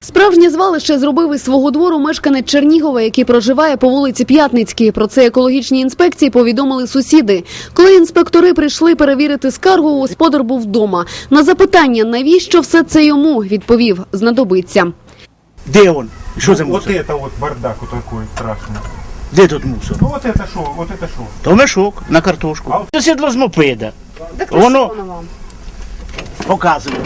Справжнє звалище зробив із свого двору мешканець Чернігова, який проживає по вулиці П'ятницькій. Про це екологічній інспекції повідомили сусіди. Коли інспектори прийшли перевірити скаргу, господар був вдома. На запитання, навіщо все це йому, відповів – знадобиться. Де він? Що за мусор? Вот это вот бардак вот такой страшный. Де тут мусор? Ну вот это шо, вот это шо. То мешок на картошку. Це сідло з мопеда. Так Воно показує.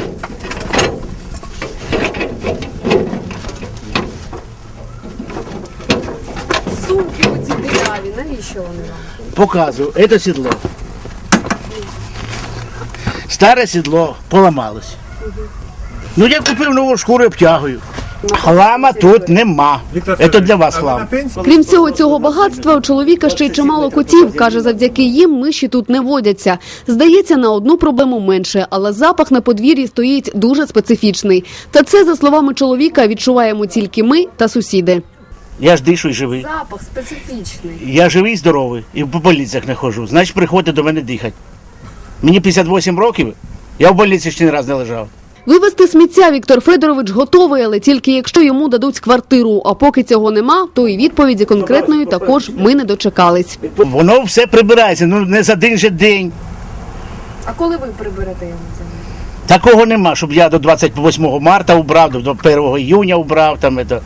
Сумки оці диряві, навіщо вони вам? Показую. Це сідло. Старе сідло поламалось. Ну я купив нову шкуру і обтягую. Хлама тут нема. Це для вас хлам. Крім всього цього багатства, у чоловіка ще й чимало котів. Каже, завдяки їм миші тут не водяться. Здається, на одну проблему менше, але запах на подвір'ї стоїть дуже специфічний. Та це, за словами чоловіка, відчуваємо тільки ми та сусіди. Я ж дишу і живий. Запах специфічний. Я живий і здоровий. І по больницях не ходжу. Значить, приходьте до мене дихати. Мені 58 років, я в больниці ще не раз не лежав. Вивезти сміття Віктор Федорович готовий, але тільки якщо йому дадуть квартиру. А поки цього нема, то і відповіді конкретної також ми не дочекались. Воно все прибирається, ну не за один же день. А коли ви приберете його землю? Такого нема, щоб я до 28 марта убрав, до 1 июня убрав.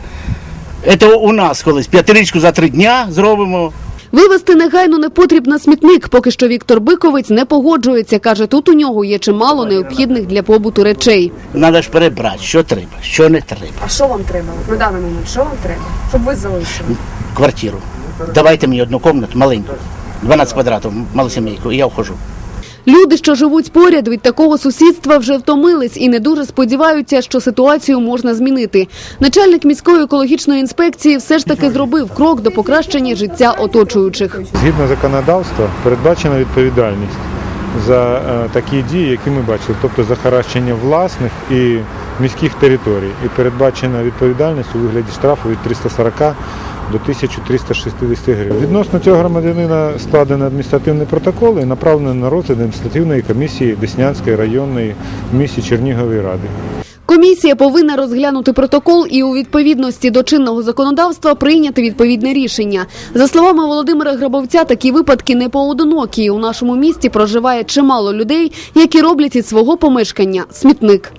Це у нас колись п'ятирічку за 3 дня зробимо. Вивезти негайно непотріб на смітник. Поки що Віктор Биковець не погоджується. Каже, тут у нього є чимало необхідних для побуту речей. Треба ж перебрати, що треба, що не треба. А що вам треба? На даний момент, що вам треба? Щоб ви залишили? Квартиру. Давайте мені одну кімнату, маленьку, 12 квадратів, малосімейку, і я вхожу. Люди, що живуть поряд, від такого сусідства вже втомились і не дуже сподіваються, що ситуацію можна змінити. Начальник міської екологічної інспекції все ж таки зробив крок до покращення життя оточуючих. Згідно законодавства передбачена відповідальність за такі дії, які ми бачили, тобто захаращення власних і міських територій. І передбачена відповідальність у вигляді штрафу від 340 до 1360 гривень. Відносно цього громадянина складено адміністративний протокол і направлено на розгляд адміністративної комісії Деснянської районної в місті Чернігової ради. Комісія повинна розглянути протокол і у відповідності до чинного законодавства прийняти відповідне рішення. За словами Володимира Грабовця, такі випадки не поодинокі. У нашому місті проживає чимало людей, які роблять із свого помешкання смітник.